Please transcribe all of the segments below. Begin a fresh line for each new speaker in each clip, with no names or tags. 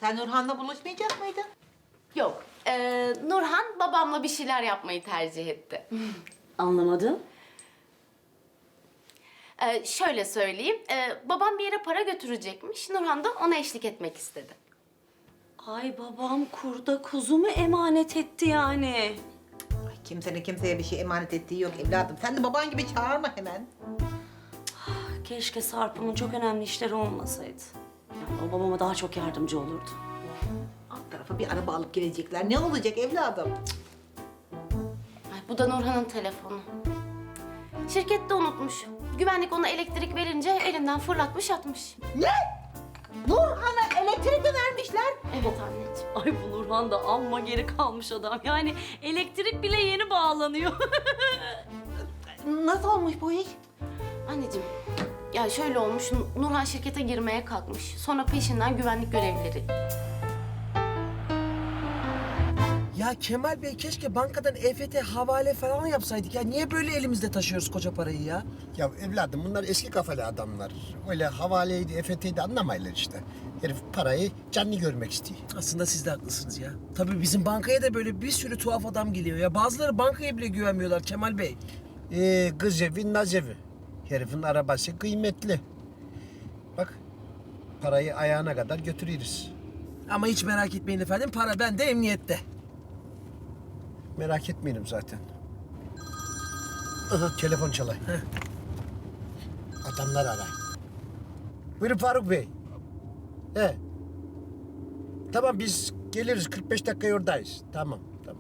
Sen Nurhan'la buluşmayacak mıydın?
Yok. Nurhan babamla bir şeyler yapmayı tercih etti.
Anlamadım.
Şöyle söyleyeyim. Babam bir yere para götürecekmiş. Nurhan da ona eşlik etmek istedi.
Ay babam kurda kuzu mu emanet etti yani?
Ay, kimsenin kimseye bir şey emanet ettiği yok evladım. Sen de baban gibi çağırma hemen.
Keşke Sarp'ımın çok önemli işleri olmasaydı. Yani o babama daha çok yardımcı olurdu.
Alt tarafa bir araba alıp gelecekler. Ne olacak evladım?
Ay, bu da Nurhan'ın telefonu. Şirkette unutmuş. Güvenlik ona elektrik verince elinden fırlatmış atmış.
Ne? Nurhan'a elektrik mi vermişler?
Evet anneciğim.
Ay bu Nurhan da amma geri kalmış adam. Yani elektrik bile yeni bağlanıyor.
Nasıl olmuş bu iş?
Anneciğim, ya şöyle olmuş. Nurhan şirkete girmeye kalkmış. Sonra peşinden güvenlik görevlileri.
Ya Kemal Bey keşke bankadan EFT havale falan yapsaydık ya. Niye böyle elimizde taşıyoruz koca parayı ya?
Ya evladım bunlar eski kafalı adamlar. Öyle havaleydi, EFT'ydi anlamayırlar işte. Herif parayı canlı görmek istiyor.
Aslında siz de haklısınız ya. Tabii bizim bankaya da böyle bir sürü tuhaf adam geliyor ya. Bazıları bankaya bile güvenmiyorlar Kemal Bey.
Kız evi, naz evi. Herifin arabası kıymetli. Bak parayı ayağına kadar götürürüz.
Ama hiç merak etmeyin efendim, para bende, emniyette.
Merak etmeyelim zaten. Aha, telefon çalay. Adamlar aray. Buyurun Faruk Bey. He. Tamam biz geliriz 45 dakika oradayız. Tamam.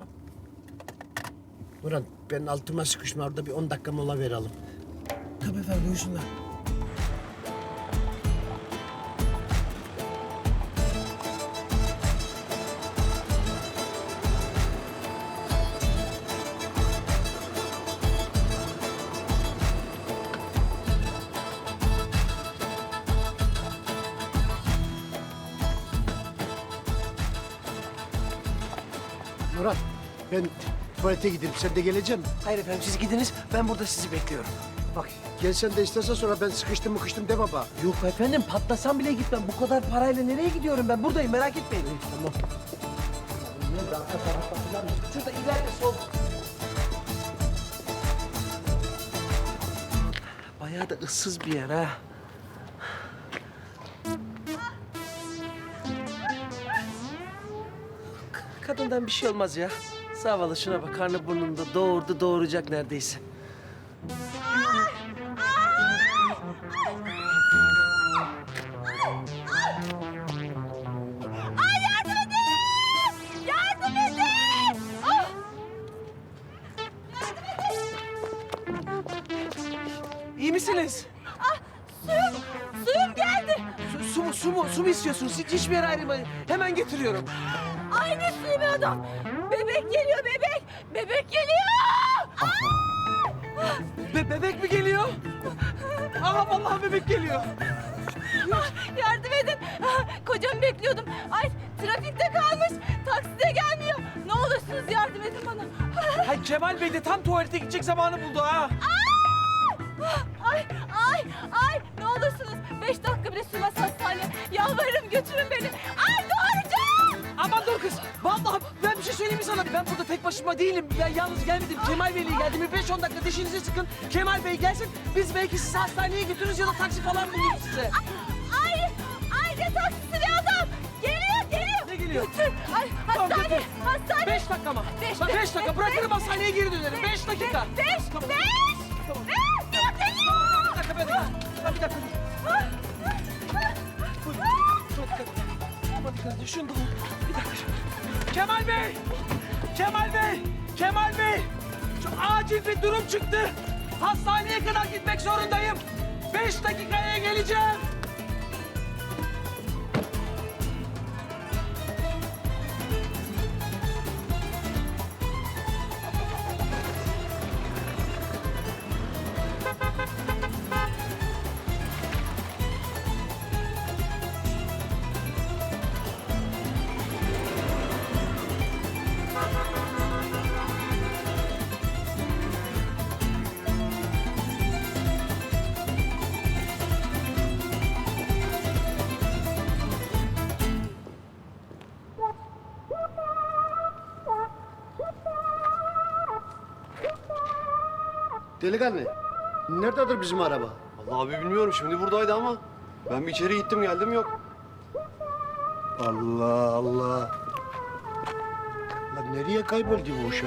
Burhan ben altıma sıkışma orada bir 10 dakika mola verelim.
Tabii efendim, buyursunlar.
Murat ben tuvalete gideyim. Sen de geleceksin mi?
Hayır efendim, siz gidiniz, ben burada sizi bekliyorum.
Bak gelsen de istersen sonra ben sıkıştım deme baba.
Yok efendim, patlasam bile gitmem. Bu kadar parayla nereye gidiyorum ben? Buradayım, merak etmeyin.
Tamam.
Şurada ileride sol. Bayağı da ıssız bir yer ha. Kadından bir şey olmaz ya. Zavallı şuna bak, karnı burnunda doğurdu, doğuracak neredeyse. İyi misiniz?
Suyum geldi.
Su mu istiyorsunuz? Hiçbir yere ayrılmayın. Hemen getiriyorum.
Aynı suyu be adam. Bebek geliyor bebek. Bebek geliyor.
Bebek mi geliyor? Aha vallahi bebek geliyor.
Yardım edin. Kocamı bekliyordum. Ay trafikte kalmış. Takside gelmiyor. Ne olursunuz yardım edin bana.
Hay Kemal Bey de tam tuvalete gidecek zamanı buldu ha.
Ay ne olursunuz 5 dakika bile sürmez hastaneye. Yalvarırım götürün beni. Ay doğuracağım.
Aman dur kız. Vallahi ben bir şey söyleyeyim mi sana? Ben burada tek başıma değilim. Ben yalnız gelmedim. Kemal Bey'le geldim. 5-10 dakika dişinizi sıkın. Kemal Bey gelsin. Biz belki sizi hastaneye götürürüz ya da taksi falan buluruz size.
Ay ne taksisi be adam. Geliyor.
Ne geliyor?
Götür. Ay
Tamam,
hastane.
götür.
Hastane.
5 dakika mı?
Beş,
Bak
beş,
5 dakika. Bırakırım hastaneye geri dönerim. 5 dakika.
Beş.
Tamam.
Beş.
Tamam.
Geliyor.
Bir dakika. Bir dakika. Buyurun. Çok dikkat edin. Aman dikkat edin. Şunu da bir dakika. Kemal Bey! Şu acil bir durum çıktı. Hastaneye kadar gitmek zorundayım. 5 dakikaya geleceğim.
Delikanlı, nerededir bizim araba?
Vallahi abi bilmiyorum. Şimdi buradaydı ama ben bir içeri gittim geldim yok.
Allah Allah. Lan nereye kayboldu bu uşak?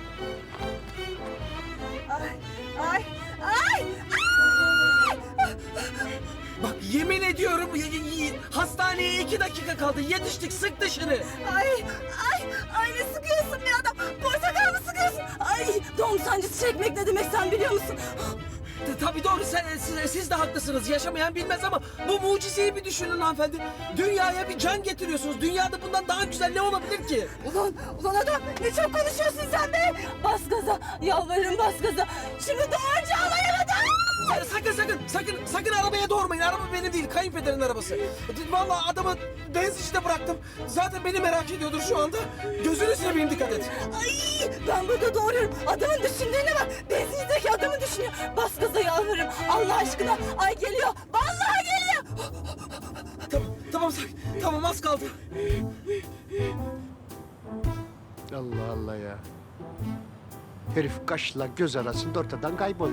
Ay, ay!
Bak yemin ediyorum hastaneye 2 dakika kaldı. Yetiştik, sık dışarı.
Ay ne sıkıyorsun be adam? Portakal mı sıkıyorsun? Ay doğum sancısı çekmek ne demek sen biliyor musun?
Tabii doğru, siz de haklısınız. Yaşamayan bilmez ama bu mucizeyi bir düşünün hanımefendi. Dünyaya bir can getiriyorsunuz. Dünyada bundan daha güzel ne olabilir ki?
Ulan adam ne çok konuşuyorsun sen be! Bas gaza, yalvarırım bas gaza. Şimdi doğurca alayamadım.
Sakın arabaya doğurmayın. Araba benim değil, kayınpederin arabası. Vallahi adamı benzincide bıraktım. Zaten beni merak ediyordur şu anda. Gözünü seveyim, dikkat et.
Ay ben burada doğuruyorum. Adamın düşündüğüne bak. Benzinlikteki adamı düşünüyor. Bas gaza yalvarırım. Allah aşkına. Ay geliyor. Vallahi geliyor.
Tamam az kaldı.
Allah Allah ya. Herif kaşla göz arasında ortadan kayboldu.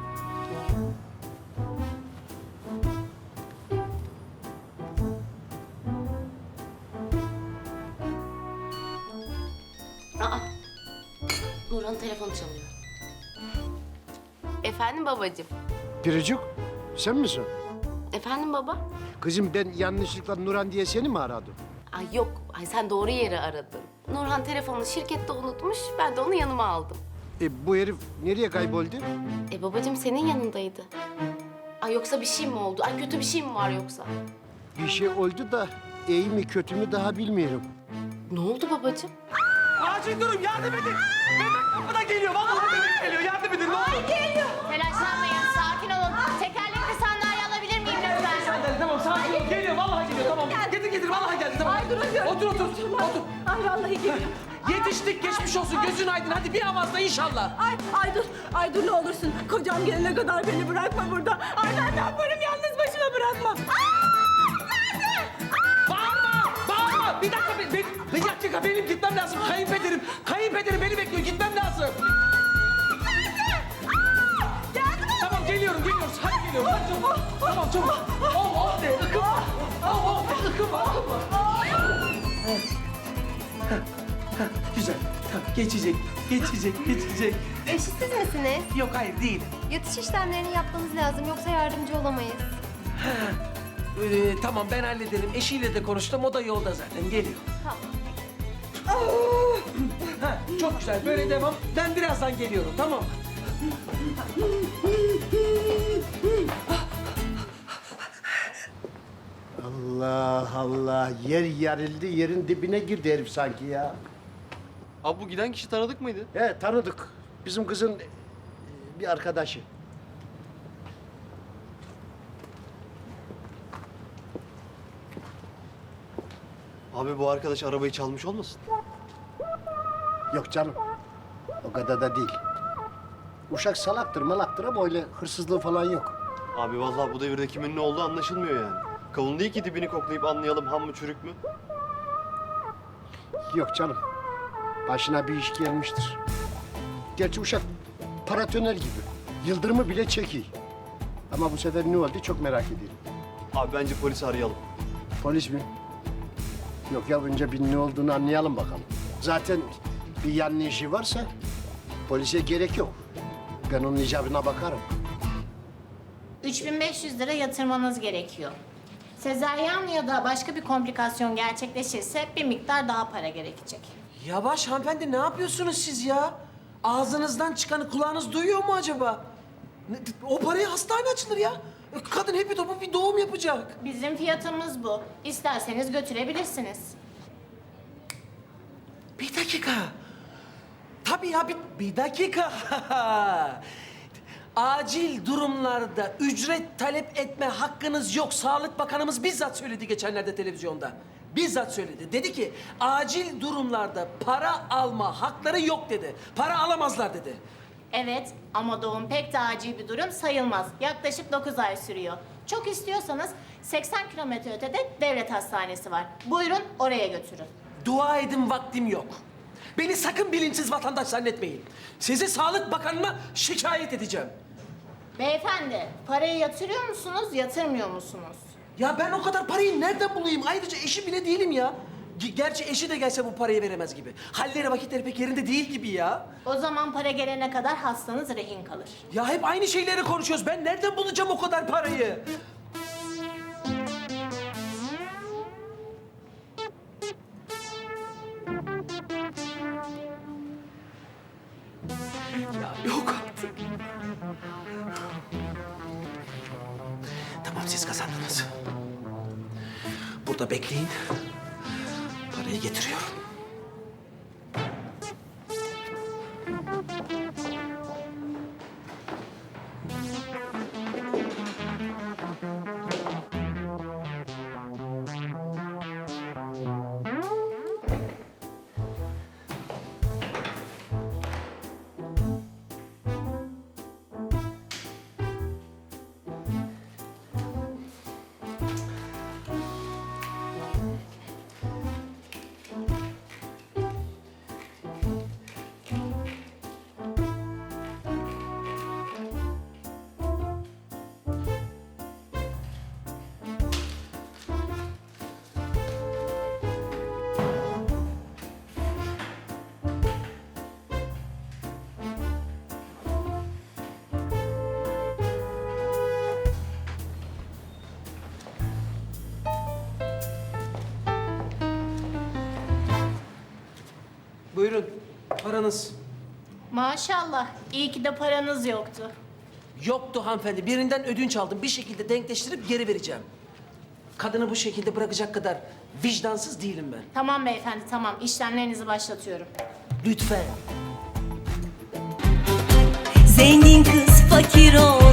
Aa, Nurhan'ın telefonu çalıyor. Efendim babacığım.
Biricik, sen misin?
Efendim baba?
Kızım ben yanlışlıkla Nurhan diye seni mi aradım?
Ay yok, ay sen doğru yeri aradın. Nurhan telefonunu şirkette unutmuş, ben de onu yanıma aldım.
Bu herif nereye kayboldu?
Babacığım senin yanındaydı. Ay yoksa bir şey mi oldu? Ay kötü bir şey mi var yoksa?
Bir şey oldu da iyi mi kötü mü daha bilmiyorum.
Ne oldu babacığım?
Acil durum, yardım edin. Bebek kapıdan geliyor. Vallahi bebek geliyor. Yardım edin ne olur.
Telaşlanmayın, sakin olun. Tekerlekli sandalye alabilir miyim lütfen?
Sandalye tamam, sakin ol. Geliyor, vallahi geliyor. Tamam. Getir, vallahi geldi. Tamam.
Ay, duramıyorum.
Otur.
Ay vallahi geliyor.
Yetiştik, geçmiş olsun. Gözün aydın. Hadi bir avazla inşallah.
Ay dur ne olursun. Kocam gelene kadar beni bırakma burada. Ay ben ne yaparım yalnız başıma bırakma.
Bağırma. Bir dakika, benim gitmem lazım. Kayınpederim beni bekliyor. Gitmem lazım. Tamam, geliyoruz. Hadi geliyorum. Hadi çabuk. Tamam, çabuk. Oh de, ıkınma. De, ıkınma. Güzel. Tamam, geçecek.
Eşsiz misiniz?
Yok, hayır değil.
Yatış işlemlerini yapmanız lazım yoksa yardımcı olamayız.
Tamam, ben hallederim. Eşiyle de konuştum. O da yolda zaten. Geliyor.
Tamam.
Çok güzel. Böyle devam. Ben birazdan geliyorum. Tamam mı?
Allah Allah, yer yarıldı, yerin dibine girdi herif sanki ya.
Abi bu giden kişi tanıdık mıydı?
He, tanıdık. Bizim kızın bir arkadaşı.
Abi bu arkadaş arabayı çalmış olmasın?
Yok canım, o kadar da değil. Uşak salaktır malaktır ama öyle hırsızlığı falan yok.
Abi vallahi bu devirde kimin ne olduğu anlaşılmıyor yani. Kavun değil ki dibini koklayıp anlayalım ham mı çürük mü?
Yok canım, başına bir iş gelmiştir. Gerçi uşak paratoner gibi, yıldırımı bile çekiyor. Ama bu sefer ne oldu çok merak ediyorum.
Abi bence polisi arayalım.
Polis mi? Yok ya, önce bir ne olduğunu anlayalım bakalım. Zaten bir yanlışı varsa polise gerek yok. Ben onun icabına bakarım.
3500 lira yatırmanız gerekiyor. Sezaryen ya da başka bir komplikasyon gerçekleşirse bir miktar daha para gerekecek.
Yavaş hanımefendi, ne yapıyorsunuz siz ya? Ağzınızdan çıkanı kulağınız duyuyor mu acaba? O paraya hastane açılır ya. Kadın hepi topu bir doğum yapacak.
Bizim fiyatımız bu. İsterseniz götürebilirsiniz.
Bir dakika. Tabii ya, bir dakika. Acil durumlarda ücret talep etme hakkınız yok. Sağlık Bakanımız bizzat söyledi geçenlerde televizyonda. Bizzat söyledi. Dedi ki acil durumlarda para alma hakları yok dedi. Para alamazlar dedi.
Evet ama doğum pek de acil bir durum sayılmaz. Yaklaşık 9 ay sürüyor. Çok istiyorsanız 80 kilometre ötede devlet hastanesi var. Buyurun oraya götürün.
Dua edin vaktim yok. Beni sakın bilinçsiz vatandaş zannetmeyin. Sizi Sağlık Bakanı'na şikayet edeceğim.
Beyefendi, parayı yatırıyor musunuz, yatırmıyor musunuz?
Ya ben o kadar parayı nereden bulayım? Ayrıca eşi bile değilim ya. Gerçi eşi de gelse bu parayı veremez gibi. Halleri vakitleri pek yerinde değil gibi ya.
O zaman para gelene kadar hastanız rehin kalır.
Ya hep aynı şeyleri konuşuyoruz. Ben nereden bulacağım o kadar parayı? Ya yok artık. Tamam siz kazandınız. Burada bekleyin. Parayı getiriyorum. Buyurun, paranız.
Maşallah, iyi ki de paranız yoktu.
Yoktu hanımefendi. Birinden ödünç aldım. Bir şekilde denkleştirip geri vereceğim. Kadını bu şekilde bırakacak kadar vicdansız değilim ben.
Tamam beyefendi, tamam. İşlemlerinizi başlatıyorum.
Lütfen.
Zengin kız fakir ol